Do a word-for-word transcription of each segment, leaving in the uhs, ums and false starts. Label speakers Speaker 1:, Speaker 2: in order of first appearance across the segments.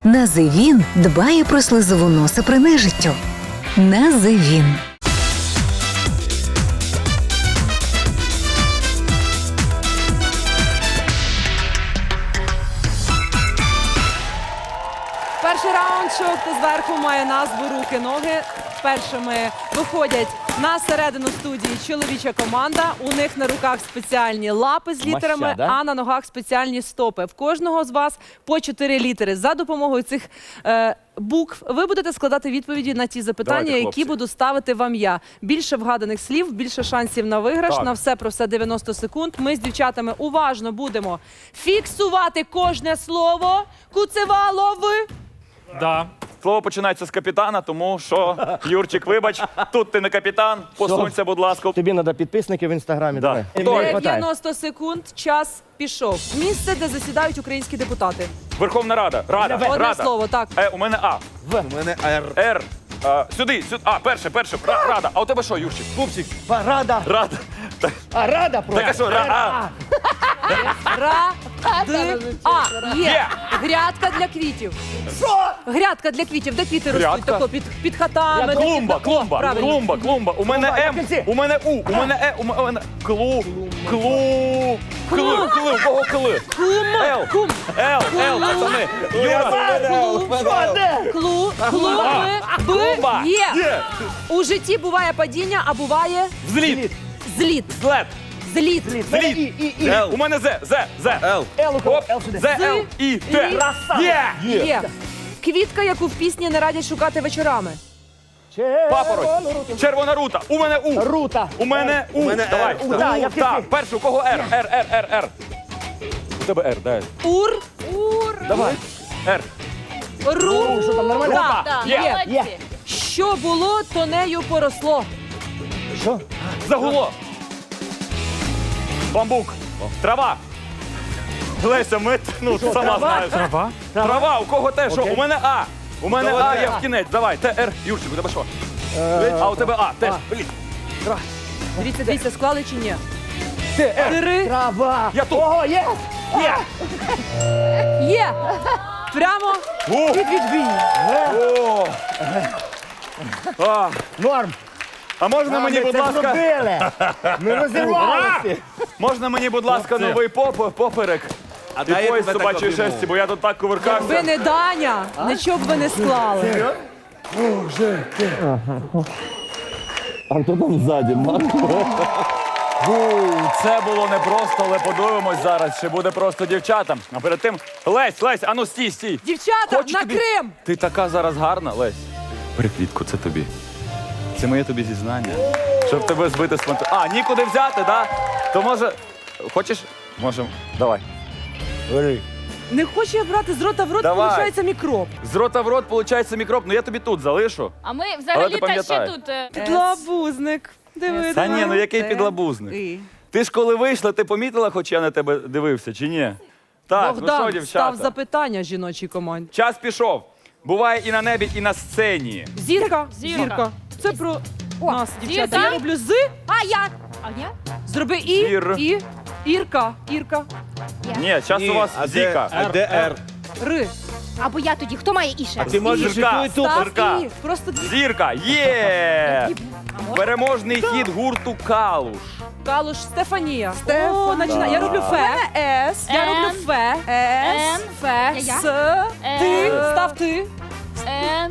Speaker 1: Називін дбає про слизову носа при нежиттю. Називін.
Speaker 2: Перший раунд «Шоу «Хто зверху» має назву «Руки-ноги». Першими виходять на середину студії чоловіча команда. У них на руках спеціальні лапи з літерами,
Speaker 3: Маща, да?
Speaker 2: а на ногах спеціальні стопи. В кожного з вас по чотири літери. За допомогою цих е, букв ви будете складати відповіді на ті запитання,
Speaker 4: Давайте, хлопці.
Speaker 2: які буду ставити вам я. Більше вгаданих слів, більше шансів на виграш.
Speaker 4: Так.
Speaker 2: На все про все дев'яносто секунд. Ми з дівчатами уважно будемо фіксувати кожне слово. Куцевалов.
Speaker 4: Да. Слово починається з капітана, тому що, Юрчик, вибач, тут ти не капітан, посунься, будь ласка.
Speaker 3: Тобі треба підписники в інстаграмі.
Speaker 4: Да.
Speaker 3: Давай.
Speaker 4: Готові.
Speaker 3: Мені хватає.
Speaker 2: дев'яносто секунд, час пішов. Місце, де засідають українські депутати.
Speaker 4: Верховна Рада. Рада.
Speaker 2: Одне
Speaker 4: Рада.
Speaker 2: слово, так.
Speaker 4: Е, у мене А.
Speaker 3: В.
Speaker 5: У мене Р.
Speaker 4: Р. А, сюди, сюди. А, перше, перше. Ра- Рада. А у тебе що, Юрчик?
Speaker 3: Пупсик. Рада.
Speaker 4: Рада. Так,
Speaker 3: А рада просто.
Speaker 4: так а що, ра, а.
Speaker 2: Ра, ди, а. Є.
Speaker 4: Є.
Speaker 2: Грядка для квітів.
Speaker 3: Що?
Speaker 2: Грядка для квітів. Де квіти ростуть?
Speaker 4: Грядка?
Speaker 2: Тако, під, під хатами. де
Speaker 4: Клумба,
Speaker 2: під- О,
Speaker 4: клумба,
Speaker 2: правильно.
Speaker 4: клумба, клумба. У мене
Speaker 3: Клумба,
Speaker 4: М,
Speaker 3: в кінці.
Speaker 4: у мене У, у мене Е, у мене Клу, клу, кли, кли, у кого кли?
Speaker 2: Кум,
Speaker 4: Л,
Speaker 2: кум,
Speaker 4: Л, Л, пацани. Юра,
Speaker 3: Що де?
Speaker 2: клу, клу, би,
Speaker 4: клумба.
Speaker 2: би, є.
Speaker 4: Є.
Speaker 2: У житті буває падіння, а буває
Speaker 4: Взліт,
Speaker 2: зліт.
Speaker 4: злет,
Speaker 2: Зліт.
Speaker 4: зліт.
Speaker 3: І, і, і.
Speaker 4: У мене З, З, З.
Speaker 5: Л.
Speaker 3: Л у кого?
Speaker 4: Оп,
Speaker 3: Л сюди.
Speaker 4: З, Л, І, Т. Є.
Speaker 2: Є. Квітка, яку в пісні не радять шукати вечорами.
Speaker 4: Папороть. Червона рута. У мене У.
Speaker 3: Рута.
Speaker 4: У мене У.
Speaker 5: мене
Speaker 4: Давай.
Speaker 5: Р.
Speaker 3: У, да, я в кінці.
Speaker 4: Так, перший, у кого Р? Р, Р, Р, Р. У тебе Р, дай.
Speaker 2: Ур, ур,
Speaker 4: Давай. Р.
Speaker 2: ру.
Speaker 3: Що там, нормально?
Speaker 2: Да.
Speaker 4: Так,
Speaker 2: Є.
Speaker 3: Є.
Speaker 2: Що було, то нею поросло.
Speaker 3: Що?
Speaker 4: Загуло. Бамбук. Трава. Леся, ми, ну, сама
Speaker 3: трава?
Speaker 4: знаєш. Трава? Трава, у кого те, що?
Speaker 3: Окей.
Speaker 4: У мене А. У мене
Speaker 5: Давай,
Speaker 4: А,
Speaker 5: Р.
Speaker 4: я в кінець. Давай, Т, Р. Юрчик, у тебе що? А у тебе А, теж. Блін.
Speaker 2: Дивіться, дивіться, склали чи ні?
Speaker 4: Т, Р.
Speaker 2: Три.
Speaker 3: Трава.
Speaker 4: Я тут.
Speaker 3: Ого, є.
Speaker 4: Є.
Speaker 2: Є. Прямо
Speaker 4: О.
Speaker 2: під відбій.
Speaker 4: О. А,
Speaker 3: Норм.
Speaker 4: а можна мені,
Speaker 3: Ми
Speaker 4: будь
Speaker 3: це
Speaker 4: ласка,
Speaker 3: зробили. Ми розірвалися.
Speaker 4: можна мені, будь ласка, новий поп, поперек?
Speaker 5: А
Speaker 4: І
Speaker 5: дай я
Speaker 4: пояс
Speaker 5: тебе так
Speaker 4: собачої
Speaker 5: обійму.
Speaker 4: шерсті, бо я тут так
Speaker 2: Ви
Speaker 4: кувиркався.
Speaker 2: не Даня, нічого б ви не склали.
Speaker 3: А хто там ззаді, Марко?
Speaker 4: Це було непросто, але подивимось зараз, чи буде просто дівчатам. А перед тим, Лесь, Лесь, ану стій, стій.
Speaker 2: Дівчата,
Speaker 4: Хочу
Speaker 2: на
Speaker 4: тобі-
Speaker 2: Крим!
Speaker 4: Ти така зараз гарна, Лесь. Бери квітку, це тобі. Це моє тобі зізнання. Щоб тебе збити з панту. А, нікуди взяти, да? То може. Хочеш? Можемо. Давай.
Speaker 3: Бери.
Speaker 2: Не хочу я брати з рота в рот,
Speaker 4: Давай.
Speaker 2: виходить мікроб.
Speaker 4: З рота в рот, виходить, мікроб. Ну я тобі тут залишу.
Speaker 6: А ми
Speaker 4: Але ти
Speaker 6: взагалі та ще
Speaker 4: пам'ятай.
Speaker 6: тут. е,
Speaker 2: Підлабузник. Диви,
Speaker 4: Та
Speaker 2: диви.
Speaker 4: ні, ну який
Speaker 2: Це
Speaker 4: підлабузник.
Speaker 2: ти.
Speaker 4: Ти ж коли вийшла, ти помітила, хоч я на тебе дивився, чи ні? Так, ну
Speaker 2: Богдан
Speaker 4: що,
Speaker 2: став
Speaker 4: дівчата?
Speaker 2: запитання жіночій команді.
Speaker 4: Час пішов. Буває і на небі, і на сцені.
Speaker 2: Зірка,
Speaker 6: Зірка.
Speaker 2: зірка. Це про нас, дівчата.
Speaker 6: Зірка.
Speaker 2: Я роблю з,
Speaker 6: А я? А я?
Speaker 2: зроби і,
Speaker 4: Зір.
Speaker 2: і, ірка, ірка,
Speaker 4: Ні, час у вас
Speaker 5: а де,
Speaker 4: зіка.
Speaker 5: а де Р?
Speaker 2: ри.
Speaker 6: Або я тоді. Хто має іще?
Speaker 5: Ти можеш і
Speaker 4: Зірка.
Speaker 5: ту, і ту.
Speaker 2: Став
Speaker 4: Зірка.
Speaker 2: і. Просто дві.
Speaker 4: Зірка, є!
Speaker 6: А може?
Speaker 4: Переможний хід гурту Калуш.
Speaker 2: Калуш Стефанія. О, начинай. Я роблю фе. С. Я
Speaker 6: Н.
Speaker 2: роблю фе. С.
Speaker 6: Н.
Speaker 2: Фе.
Speaker 6: Я.
Speaker 2: С. Ти.
Speaker 6: Н.
Speaker 2: Став ти.
Speaker 6: Н.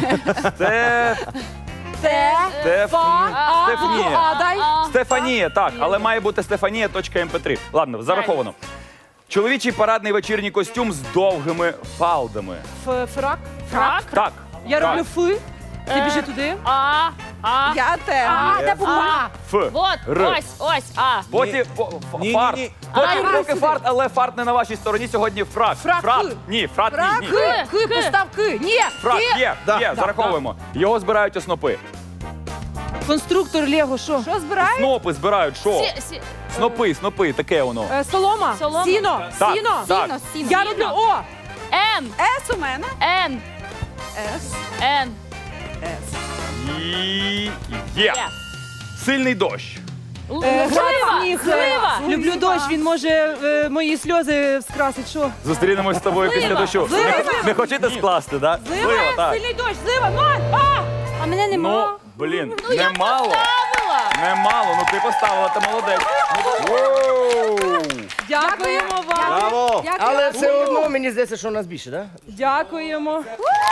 Speaker 4: Це
Speaker 2: Те.
Speaker 4: Стеф-
Speaker 2: Фа. А.
Speaker 4: Стефанія.
Speaker 2: А. Дай.
Speaker 6: А.
Speaker 4: Стефанія, так, але має бути Стефанія точка ем пе три. Ладно, зараховано. Чоловічий парадний вечірній костюм з довгими фалдами.
Speaker 2: Ф- Фрак.
Speaker 6: Фрак.
Speaker 4: Так.
Speaker 2: Я
Speaker 4: так.
Speaker 2: роблю фи. Ти
Speaker 6: Е.
Speaker 2: біжи туди.
Speaker 6: А. А.
Speaker 2: Я те.
Speaker 6: А. Де була?
Speaker 4: Ф.
Speaker 6: Вот.
Speaker 4: Р.
Speaker 6: Ось. Ось. А.
Speaker 4: Потім ф- ф-
Speaker 5: Ні,
Speaker 4: фарт.
Speaker 5: ні, ні.
Speaker 4: Потім
Speaker 2: А,
Speaker 4: поки
Speaker 2: сюди.
Speaker 4: фарт, але фарт не на вашій стороні. Сьогодні фрак.
Speaker 2: Фрак.
Speaker 4: Фрат. Ні, фрат
Speaker 2: Фрак.
Speaker 4: ні. ні.
Speaker 2: Ки. Ки.
Speaker 6: Ки.
Speaker 2: Постав ки. Ні.
Speaker 4: Фрак
Speaker 2: Ки.
Speaker 4: є,
Speaker 5: Да,
Speaker 4: є,
Speaker 5: да,
Speaker 4: зараховуємо. Його збирають у снопи.
Speaker 2: Конструктор Лего, що? Що збирає?
Speaker 4: Снопи збирають, що?
Speaker 6: Сі- сі-
Speaker 4: Снопи, снопи, таке воно.
Speaker 2: Е, Солома.
Speaker 6: Солома.
Speaker 2: Сіно.
Speaker 4: Так,
Speaker 2: Сіно.
Speaker 4: так.
Speaker 6: Сіно. Сіно.
Speaker 2: Я
Speaker 6: Сіно.
Speaker 2: роблю О.
Speaker 6: Н.
Speaker 2: С у мене.
Speaker 6: Н.
Speaker 2: С.
Speaker 6: Н.
Speaker 4: І є.
Speaker 6: Є.
Speaker 4: Сильний дощ.
Speaker 2: Е,
Speaker 6: Злива!
Speaker 2: сніг.
Speaker 6: Злива!
Speaker 2: Люблю дощ, він може е, мої сльози скрасить. Що?
Speaker 4: Зустрінемось з тобою після дощу.
Speaker 2: Злива,
Speaker 4: Не-
Speaker 2: злива.
Speaker 4: Не хочете скласти, да?
Speaker 2: Злива,
Speaker 4: так.
Speaker 2: сильний дощ, злива, ноль! А!
Speaker 6: А мене
Speaker 4: Ну,
Speaker 6: нема.
Speaker 4: блін,
Speaker 6: Ну, я
Speaker 4: немало.
Speaker 6: поставила.
Speaker 4: Немало, ну ти поставила, ти молодець. Воу!
Speaker 2: Дякуємо вам.
Speaker 5: Браво!
Speaker 2: Дякую.
Speaker 5: Але все одно мені здається, що у нас більше, так?
Speaker 2: Дякуємо.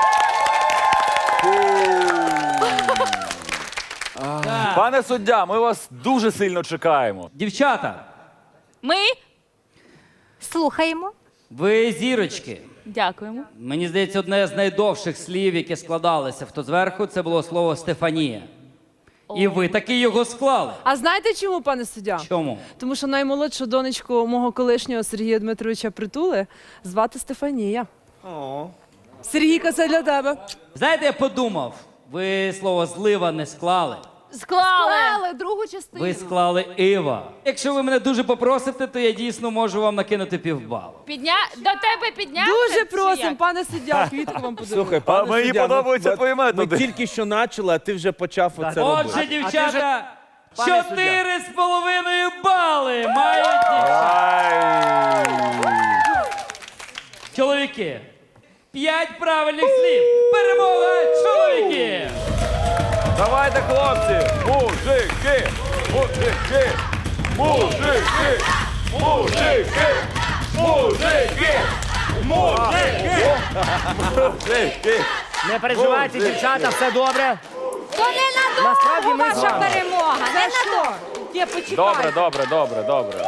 Speaker 4: Пане суддя, ми вас дуже сильно чекаємо.
Speaker 7: Дівчата,
Speaker 6: Ми
Speaker 8: Слухаємо.
Speaker 7: ви зірочки.
Speaker 6: дякуємо.
Speaker 7: Мені здається, одне з найдовших слів, яке складалося в то зверху, це було слово Стефанія. І ви таки його склали.
Speaker 2: А знаєте чому, пане суддя?
Speaker 7: Чому?
Speaker 2: Тому що наймолодшу донечку мого колишнього Сергія Дмитровича Притули звати Стефанія. Сергійка, це для тебе.
Speaker 7: Знаєте, я подумав, ви слово злива не склали.
Speaker 6: Склали.
Speaker 8: другу частину.
Speaker 7: Ви склали Ива. Якщо ви мене дуже попросите, то я дійсно можу вам накинути півбалу.
Speaker 6: Підня... До тебе піднявся?
Speaker 2: Дуже
Speaker 6: чи
Speaker 2: просимо,
Speaker 6: як?
Speaker 2: пане суддя, квітку вам подарую.
Speaker 3: Слухай,
Speaker 4: А
Speaker 3: пане
Speaker 4: мені
Speaker 3: суддя,
Speaker 4: подобаються
Speaker 3: ми-
Speaker 4: твої методи.
Speaker 3: Ми тільки що почали, а ти вже почав оце
Speaker 7: Отже,
Speaker 3: робити.
Speaker 7: дівчата,
Speaker 5: Пане
Speaker 7: чотири з половиною бали мають дівчата.
Speaker 4: Ай!
Speaker 7: Чоловіки. П'ять правильних слів. Перемога чоловіків.
Speaker 4: Давайте, хлопці! Мужики! Мужики! Мужики! Мужики! Мужики! Мужики! Мужики!
Speaker 5: Не переживайте, дівчата, все добре.
Speaker 8: То не на
Speaker 5: Насправді ми з
Speaker 8: ваша
Speaker 5: вами.
Speaker 8: перемога. Не на
Speaker 2: що? Є, почекай.
Speaker 4: Добре, добре, добре, добре.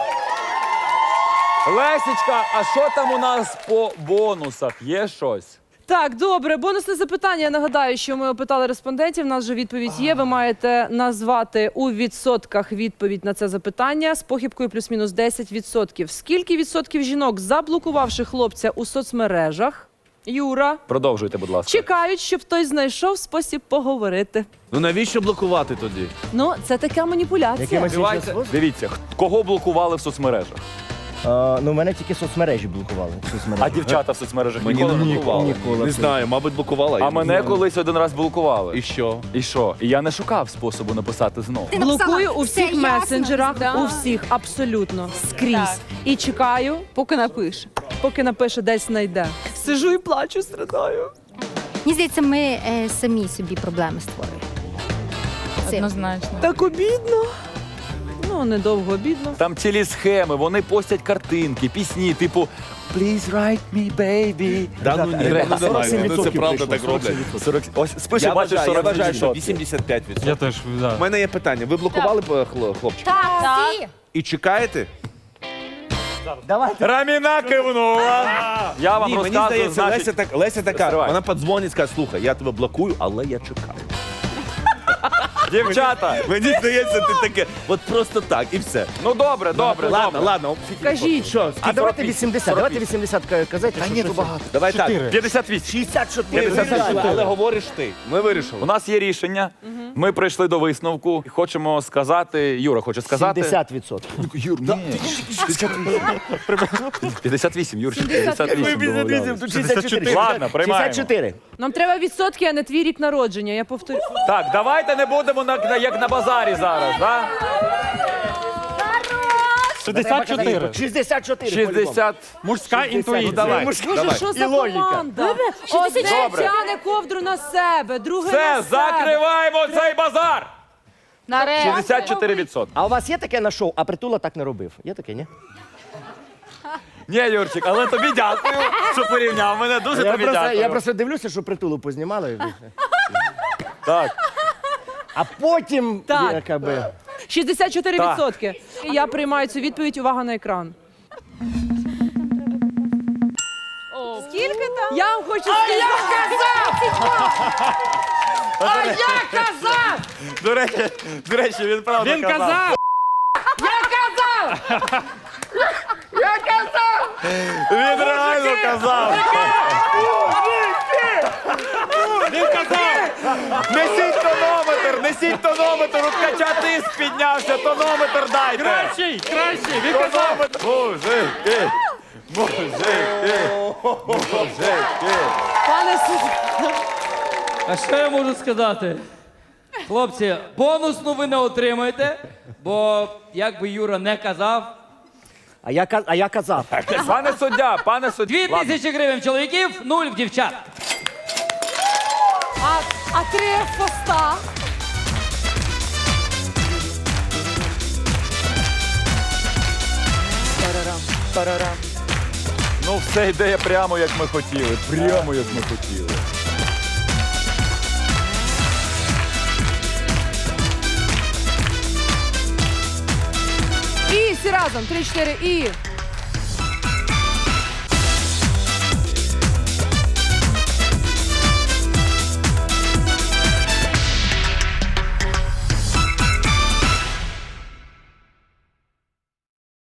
Speaker 4: Лесічка, а що там у нас по бонусах? Є щось?
Speaker 2: Так, добре. Бонусне запитання. Я нагадаю, що ми опитали респондентів. У нас вже відповідь є. Ви маєте назвати у відсотках відповідь на це запитання з похибкою плюс-мінус десять відсотків. Скільки відсотків жінок, заблокувавши хлопця у соцмережах, Юра,
Speaker 4: Продовжуйте, будь ласка.
Speaker 2: чекають, щоб хтось знайшов спосіб поговорити?
Speaker 3: Ну навіщо блокувати тоді?
Speaker 2: Ну, це така маніпуляція.
Speaker 5: Якимось іншим
Speaker 4: Давайте,
Speaker 5: способом?
Speaker 4: дивіться, х- кого блокували в соцмережах?
Speaker 5: А, ну, мене тільки соцмережі блокували. Соцмережі.
Speaker 4: А дівчата в соцмережах
Speaker 3: Мені
Speaker 4: ніколи
Speaker 3: не
Speaker 4: не
Speaker 3: блокували.
Speaker 5: Ніколи.
Speaker 3: Не знаю, мабуть, блокувала.
Speaker 4: А
Speaker 3: Я
Speaker 4: мене
Speaker 3: не знаю.
Speaker 4: колись один раз блокували.
Speaker 3: І що?
Speaker 4: І що? І я не шукав способу написати знову.
Speaker 8: Ти написала,
Speaker 2: Блокую у
Speaker 8: «Все
Speaker 2: всіх
Speaker 8: ясно».
Speaker 2: месенджерах,
Speaker 6: Да.
Speaker 2: у всіх, абсолютно, скрізь.
Speaker 6: Так.
Speaker 2: І чекаю, поки напише. Поки напише, десь знайде. Сижу і плачу, страдаю.
Speaker 8: Мені здається, ми е, самі собі проблеми створюємо. Цим.
Speaker 6: Однозначно.
Speaker 2: Так обідно. Ну, недовго обідно.
Speaker 4: Там цілі схеми, вони постять картинки, пісні, типу Please write me, baby.
Speaker 3: Да, ну ні,
Speaker 4: Гре-
Speaker 3: ну, давай,
Speaker 5: сорок сім
Speaker 3: ну, це
Speaker 5: відсотків
Speaker 3: правда
Speaker 5: прийшло,
Speaker 3: так роблять.
Speaker 4: сорок Ось спиши,
Speaker 3: Я
Speaker 4: бачиш,
Speaker 3: вважаю, я
Speaker 4: сорок
Speaker 3: вважаю, що
Speaker 4: відсотків.
Speaker 3: вісімдесят п'ять відсотків.
Speaker 9: Я теж, да.
Speaker 3: У мене є питання. Ви блокували б, хло- хлопчика?
Speaker 8: Так,
Speaker 6: Так.
Speaker 8: всі.
Speaker 3: І чекаєте?
Speaker 5: Давайте.
Speaker 4: Раміна кивнула. Я вам
Speaker 3: Ні, мені
Speaker 4: розказую,
Speaker 3: здається,
Speaker 4: значить...
Speaker 3: Леся, так, Леся така,
Speaker 4: Стривай.
Speaker 3: вона подзвонить, скаже, слухай, я тебе блокую, але я чекаю.
Speaker 4: Дівчата,
Speaker 3: Мені здається, ти таке, от просто так, і все.
Speaker 4: ну добре, добре,
Speaker 3: Ладно,
Speaker 4: добре.
Speaker 3: ладно.
Speaker 2: Кажіть.
Speaker 3: Що,
Speaker 5: А давайте
Speaker 3: сорок
Speaker 5: вісімдесят, давайте вісімдесят ка- казати. що-
Speaker 4: ні,
Speaker 5: що
Speaker 4: то
Speaker 5: це?
Speaker 4: багато.
Speaker 3: Давай так.
Speaker 4: п'ятдесят вісім.
Speaker 5: шістдесят чотири.
Speaker 4: п'ятдесят чотири.
Speaker 3: Але говориш ти. Ми вирішили.
Speaker 4: У нас є рішення. Ми прийшли до висновку. Хочемо сказати, Юра хоче сказати.
Speaker 5: сімдесят відсотків.
Speaker 4: Юр, ні. п'ятдесят вісім, Юрчик, п'ятдесят вісім. домовлялись.
Speaker 5: шістдесят чотири.
Speaker 4: Ладно, приймаємо.
Speaker 5: шістдесят чотири.
Speaker 2: Нам треба відсотки, а не твій рік народження. Я повторю.
Speaker 4: Так, давайте не будемо на, на- як на базарі зараз, да?
Speaker 9: шістдесят чотири.
Speaker 5: шістдесят чотири. по-любому.
Speaker 4: шістдесят.
Speaker 9: Мужська
Speaker 3: Ну,
Speaker 9: інтуїція.
Speaker 3: давай.
Speaker 5: Мужська-
Speaker 2: Боже,
Speaker 3: Давай.
Speaker 2: що
Speaker 5: І
Speaker 2: за
Speaker 5: логіка.
Speaker 2: команда? Одне
Speaker 4: Добре.
Speaker 2: тяне ковдру на себе, друге на
Speaker 4: Все,
Speaker 2: себе.
Speaker 4: закриваємо цей базар.
Speaker 6: Нарешті.
Speaker 4: шістдесят чотири відсотки.
Speaker 5: А у вас є таке на шоу, а Притула так не робив? Є таке, ні?
Speaker 4: Ні, Юрчик, але тобі дякую, що порівняв мене. Дуже
Speaker 5: Я
Speaker 4: тобі
Speaker 5: просто,
Speaker 4: дякую.
Speaker 5: я просто дивлюся, що Притулу познімали.
Speaker 4: Так.
Speaker 5: А потім,
Speaker 2: Так.
Speaker 5: яка би...
Speaker 2: шістдесят чотири відсотки. Я приймаю цю відповідь. Увага на екран. Скільки там? Я вам хочу сказати.
Speaker 5: А я казав!
Speaker 4: До речі, до речі, він правда
Speaker 9: Він казав!
Speaker 4: Він реально казав.
Speaker 9: Він казав!
Speaker 4: Несіть тонометр, несіть тонометр, от кача тиск піднявся, тонометр дайте.
Speaker 9: Кращий! Кращий! Він казав!
Speaker 4: Тонометр. Мужики, мужики, мужики.
Speaker 2: Пане суддя,
Speaker 7: А що я можу сказати? Хлопці, бонусну ви не отримаєте, бо як би Юра не казав,
Speaker 5: А я, ка- а я казав.
Speaker 4: Пане суддя, пане суддя.
Speaker 7: дві
Speaker 4: Ладно.
Speaker 7: тисячі гривень в чоловіків, нуль в дівчат.
Speaker 2: А, а три поста?
Speaker 4: Ну все йде прямо як ми хотіли. Прямо як ми хотіли.
Speaker 2: І всі разом. Три, чотири, і.